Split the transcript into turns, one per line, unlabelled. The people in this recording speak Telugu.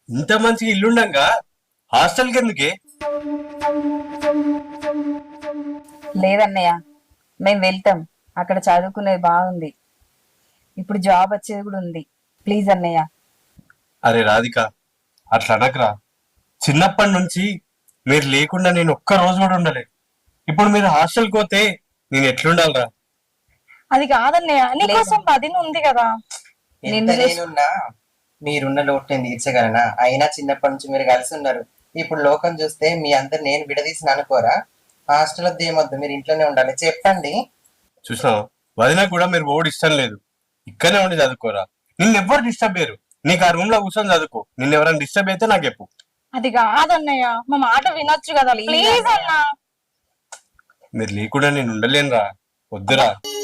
ఇంత మంచి ఇల్లుండగా హాస్టల్కి ఎందుకే?
లేదన్నయ్య, మేము వెళ్తాం. అక్కడ చదువుకునేది బాగుంది. ఇప్పుడు జాబ్ వచ్చేది కూడా ఉంది. ప్లీజ్ అన్నయ్య.
అరే రాధిక, అట్లా అనకరా. చిన్నప్పటి నుంచి మీరు లేకుండా నేను ఒక్క రోజు కూడా ఉండలే. ఇప్పుడు మీరు హాస్టల్కి పోతే నేను ఎట్లుండాలరా?
అది కాదన్నయ్య, నీకోసం వదిన ఉంది కదా.
ఎంత నేనున్నా మీరున్న లోటు నేను తీర్చగలనా? అయినా చిన్నప్పటి నుంచి మీరు కలిసి ఉన్నారు. ఇప్పుడు లోకం చూస్తే మీ అందరు నేను విడదీసిన అనుకోరా? హాస్టల్ వద్ద ఏమొద్దు, మీరు ఇంట్లోనే ఉండాలి. చెప్పండి.
చూసినావు, వదినా కూడా మీరు ఓడి ఇష్టం లేదు. ఇక్కడనే ఉండి చదువుకోరా. నిన్నెవ్వరు డిస్టర్బ్ చేయరు. నీకు ఆ రూమ్ లో కూర్చొని చదువుకో. నిన్ను ఎవరైనా డిస్టర్బ్ అయితే నాకు చెప్పు.
అది కాదన్నయ్య, మా మాట వినొచ్చు కదా. ప్లీజ్ అన్నా.
మీరు లేకుండా నేను ఉండలేనురా. వద్దురా.